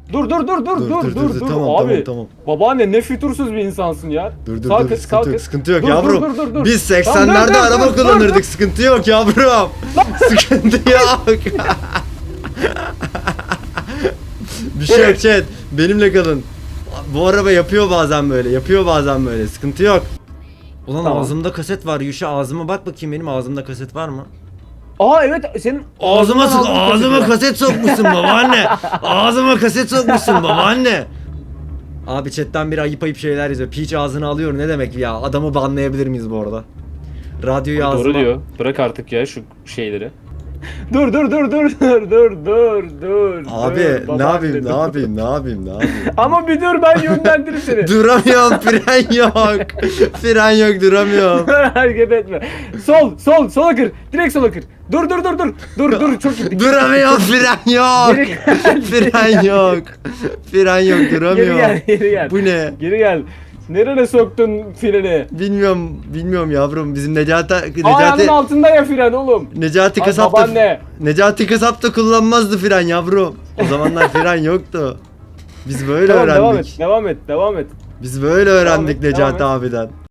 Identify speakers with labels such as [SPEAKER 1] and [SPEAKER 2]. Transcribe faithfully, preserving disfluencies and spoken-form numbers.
[SPEAKER 1] Dur dur dur dur dur dur dur.
[SPEAKER 2] Tamam
[SPEAKER 1] Abi
[SPEAKER 2] tamam tamam.
[SPEAKER 1] babaanne ne fütursuz bir insansın ya.
[SPEAKER 2] Dur dur
[SPEAKER 1] Sağ
[SPEAKER 2] dur
[SPEAKER 1] kız,
[SPEAKER 2] sıkıntı
[SPEAKER 1] sağ
[SPEAKER 2] yok
[SPEAKER 1] kız.
[SPEAKER 2] sıkıntı yok
[SPEAKER 1] Dur,
[SPEAKER 2] yavrum.
[SPEAKER 1] dur, dur, dur, dur.
[SPEAKER 2] Biz
[SPEAKER 1] Tamam,
[SPEAKER 2] seksenlerde
[SPEAKER 1] dur, dur,
[SPEAKER 2] araba
[SPEAKER 1] dur, dur,
[SPEAKER 2] kullanırdık sıkıntı yok yavrum. Sıkıntı yok. Bir şey yok chat. Benimle kalın. Bu araba yapıyor bazen böyle. Yapıyor bazen böyle. Sıkıntı yok. Ulan
[SPEAKER 1] Tamam.
[SPEAKER 2] ağzımda kaset var. Yuşa ağzıma bak bakayım benim ağzımda kaset var mı?
[SPEAKER 1] Aa evet senin
[SPEAKER 2] Ağzıma sok,
[SPEAKER 1] ağzından aldığın
[SPEAKER 2] ağzıma
[SPEAKER 1] kaset
[SPEAKER 2] kaset sokmuşsun babaanne. Ağzıma kaset sokmuşsun babaanne. Abi chatten biri ayıp ayıp şeyler yazıyor. Peach ağzını alıyor ne demek ya? Adamı banlayabilir miyiz bu arada? Radyoyu
[SPEAKER 1] var.
[SPEAKER 2] ağzıma...
[SPEAKER 1] Doğru diyor. Bırak artık ya şu şeyleri. Dur dur dur dur dur dur dur dur.
[SPEAKER 2] Abi
[SPEAKER 1] dur,
[SPEAKER 2] ne
[SPEAKER 1] babaanne,
[SPEAKER 2] yapayım
[SPEAKER 1] dur.
[SPEAKER 2] ne yapayım ne yapayım ne yapayım?
[SPEAKER 1] Ama bir dur ben yönlendiririm seni.
[SPEAKER 2] Duramıyorum fren yok. Fren yok duramıyorum.
[SPEAKER 1] Hareket etme. Sol sol sola kır. Direkt sola kır. Dur dur dur dur. Dur dur çok gittik.
[SPEAKER 2] Duramıyorum fren yok.
[SPEAKER 1] Geri gel.
[SPEAKER 2] Fren yok. Fren yok
[SPEAKER 1] Geri
[SPEAKER 2] duramıyorum.
[SPEAKER 1] gel geri gel.
[SPEAKER 2] Bu ne?
[SPEAKER 1] Geri gel. Nereye soktun freni?
[SPEAKER 2] Bilmiyorum bilmiyorum yavrum bizim Necati
[SPEAKER 1] Ayağının
[SPEAKER 2] Necati
[SPEAKER 1] altında ya fren oğlum.
[SPEAKER 2] Necati
[SPEAKER 1] Ay,
[SPEAKER 2] kasap da
[SPEAKER 1] babaanne.
[SPEAKER 2] Necati kasap da kullanmazdı fren yavrum. O zamanlar fren yoktu. Biz böyle
[SPEAKER 1] Tamam,
[SPEAKER 2] öğrendik.
[SPEAKER 1] devam et, devam et, devam et.
[SPEAKER 2] Biz böyle öğrendik
[SPEAKER 1] Devam et,
[SPEAKER 2] Necati
[SPEAKER 1] devam
[SPEAKER 2] abiden.